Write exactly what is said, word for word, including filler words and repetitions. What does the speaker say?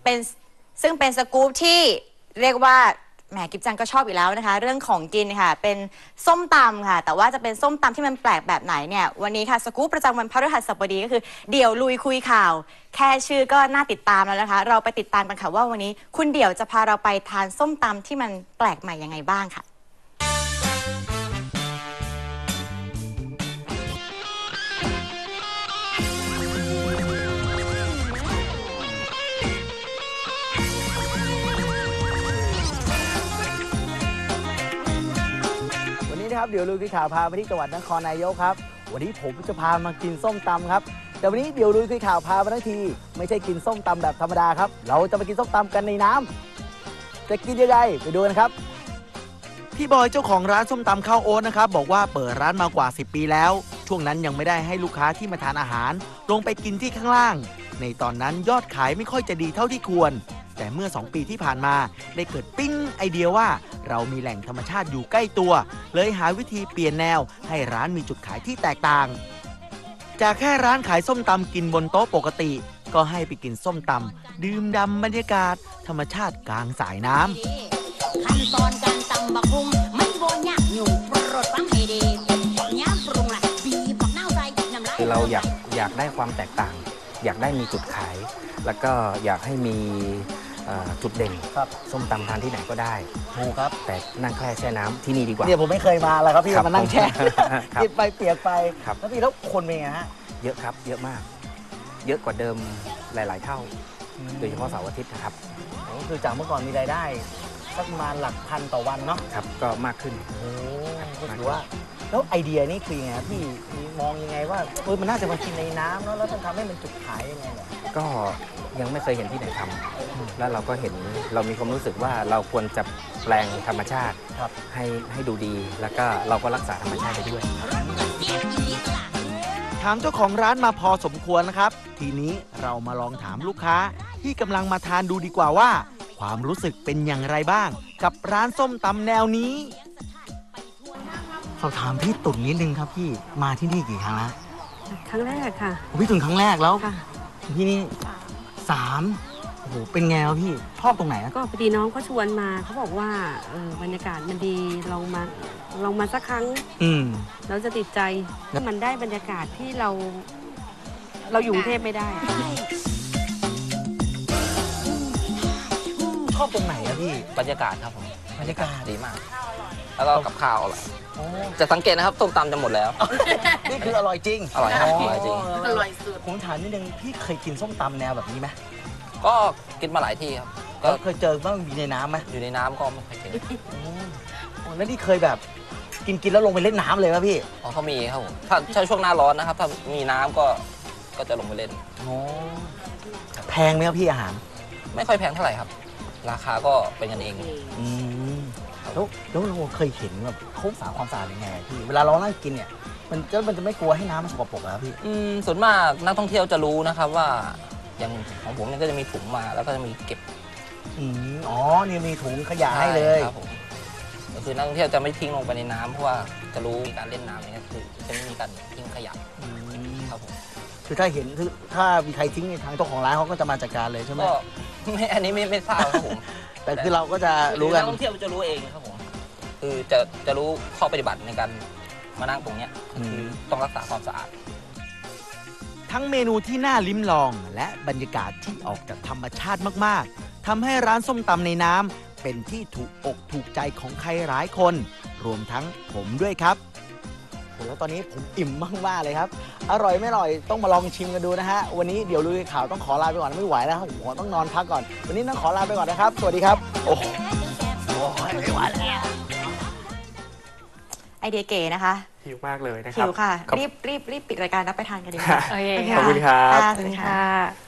เป็นซึ่งเป็นสกู๊ปที่เรียกว่าแหมกิฟจังก็ชอบอยู่แล้วนะคะเรื่องของกินค่ะเป็นส้มตำค่ะแต่ว่าจะเป็นส้มตำที่มันแปลกแบบไหนเนี่ยวันนี้ค่ะสกู๊ปประจำวันพฤหัสบดีก็คือเดี่ยวลุยคุยข่าวแค่ชื่อก็น่าติดตามแล้วนะคะเราไปติดตามกันค่ะว่าวันนี้คุณเดี่ยวจะพาเราไปทานส้มตำที่มันแปลกใหม่ยังไงบ้างค่ะครับเดี๋ยวลุยคุยข่าวพาไปที่จังหวัดนครนายกครับวันนี้ผมจะพามากินส้มตำครับแต่วันนี้เดี๋ยวลุยคุยข่าวพามาทั้งทีไม่ใช่กินส้มตำแบบธรรมดาครับเราจะมากินส้มตำกันในน้ำจะกินยังไงไปดูกันครับพี่บอยเจ้าของร้านส้มตำข้าวโอ๊ตนะครับบอกว่าเปิดร้านมากว่าสิบปีแล้วช่วงนั้นยังไม่ได้ให้ลูกค้าที่มาทานอาหารลงไปกินที่ข้างล่างในตอนนั้นยอดขายไม่ค่อยจะดีเท่าที่ควรแต่เมื่อสองปีที่ผ่านมาได้เกิดปิ้งไอเดียว่าเรามีแหล่งธรรมชาติอยู่ใกล้ตัวเลยหาวิธีเปลี่ยนแนวให้ร้านมีจุดขายที่แตกต่างจากแค่ร้านขายส้มตำกินบนโต๊ะปกติก็ให้ไปกินส้มตำดื่มด่ำบรรยากาศธรรมชาติกลางสายน้ำขั้นตอนการตำบักหุ่งไม่โบนยากอยู่โปรดฟังให้ดีย้ำปรุงละบีบักเน่าใจน้ำลายคือเราอยากอยากได้ความแตกต่างอยากได้มีจุดขายแล้วก็อยากให้มีจุดเด่นส้มตำทานที่ไหนก็ได้ถูกครับแต่นั่งแค่แช่น้ำที่นี่ดีกว่าเนี่ยผมไม่เคยมาเลยครับพี่มานั่งแช่กินไปเปียกไปแล้วพี่แล้วคนเป็นไงฮะเยอะครับเยอะมากเยอะกว่าเดิมหลายๆเท่าโดยเฉพาะเสาร์อาทิตย์นะครับก็คือจากเมื่อก่อนมีรายได้สักประมาณหลักพันต่อวันเนาะครับก็มากขึ้นโอ้ก็ถือว่าแล้วไอเดียนี่คือยังไงพี่มองยังไงว่าเออมันน่าจะมากินในน้ำเนาะแล้วต้องทำให้มันจุดขายยังไงเนี่ยก็ยังไม่เคยเห็นที่ไหนทำแล้วเราก็เห็นเรามีความรู้สึกว่าเราควรจะแปลงธรรมชาติให้ให้ดูดีแล้วก็เราก็รักษาธรรมชาติไปด้วยถามเจ้าของร้านมาพอสมควรนะครับทีนี้เรามาลองถามลูกค้าที่กำลังมาทานดูดีกว่าว่าความรู้สึกเป็นอย่างไรบ้างกับร้านส้มตำแนวนี้สอบถามพี่ตุ่นนิดนึงครับพี่มาที่นี่กี่ครั้งแล้วครั้งแรกค่ะพี่ตุ่นครั้งแรกแล้วพี่นี่สามโอ้โหเป็นไงวะพี่ชอบตรงไหนก็พอดีน้องเขาชวนมาเขาบอกว่าเออบรรยากาศมันดีลองมาลองมาสักครั้งอืมเราจะติดใจมันได้บรรยากาศที่เรา เราอยู่กรุงเทพไม่ได้ชอบตรงไหนอะพี่บรรยากาศครับผมบรรยากาศดีมากแล้วก็กับข้าวอร่อยจะสังเกตนะครับต้มตำจะหมดแล้วนี่คืออร่อยจริงอร่อยครับอร่อยจริงอร่อยสุดผมถามนิดนึงพี่เคยกินส้มตำแนวแบบนี้ไหมก็กินมาหลายที่ครับก็เคยเจอว่ามันอยู่ในน้ำไหมอยู่ในน้ำก็ไม่เคยเจอแล้วนี่เคยแบบกินกินแล้วลงไปเล่นน้ำเลยไหมพี่อ๋อเขามีครับผมถ้าใช่ช่วงหน้าร้อนนะครับถ้ามีน้ำก็ก็จะลงไปเล่นอ๋อแพงไหมครับพี่อาหารไม่ค่อยแพงเท่าไหร่ครับราคาก็เป็นกันเองอืมแล้วแล้วเราเคยเห็นแบบเขาสาความสะอาดยังไงพี่เวลาเรานั่งกินเนี่ยมันจะมันจะไม่กลัวให้น้ำมันสกปรกเหรอพี่อืมส่วนมากนักท่องเที่ยวจะรู้นะครับว่าอย่างของผมเนี่ยก็จะมีถุงมาแล้วก็จะมีเก็บอืมอ๋อนี่มีถุงขยะให้เลยครับผมก็คือนักท่องเที่ยวจะไม่ทิ้งลงไปในน้ำเพราะว่าจะรู้การเล่นน้ำเนี่ยคือจะไม่มีการทิ้งขยะครับผมคือถ้าเห็นถ้ามีใครทิ้งในทางเจ้าของร้านเขาก็จะมาจัดการเลยใช่ไหมก็ไม่อันนี้ไม่ไม่ทราบครับผมแต่คือเราก็จะรู้กันนักท่องเที่ยวจะรู้เองครับผมคือจะจะรู้ข้อปฏิบัติในการมานั่งตรงนี้คือต้องรักษาความสะอาดทั้งเมนูที่น่าลิ้มลองและบรรยากาศที่ออกจากธรรมชาติมากๆทำให้ร้านส้มตำในน้ำเป็นที่ถูกอกถูกใจของใครหลายคนรวมทั้งผมด้วยครับแล้วตอนนี้ผมอิ่มมากๆเลยครับอร่อยไม่อร่อยต้องมาลองชิมกันดูนะฮะวันนี้เดี๋ยวลุยข่าวต้องขอลาไปก่อนไม่ไหวแล้วครับผมต้องนอนพักก่อนวันนี้ต้องขอลาไปก่อนนะครับสวัสดีครับโอ้โหไม่ไหวแล้วไอเดียเก๋นะคะหิวมากเลยนะครับหิวค่ะรีบรีบรีบปิดรายการแล้วไปทานกันดีกว่าขอบคุณครับสวัสดีค่ะ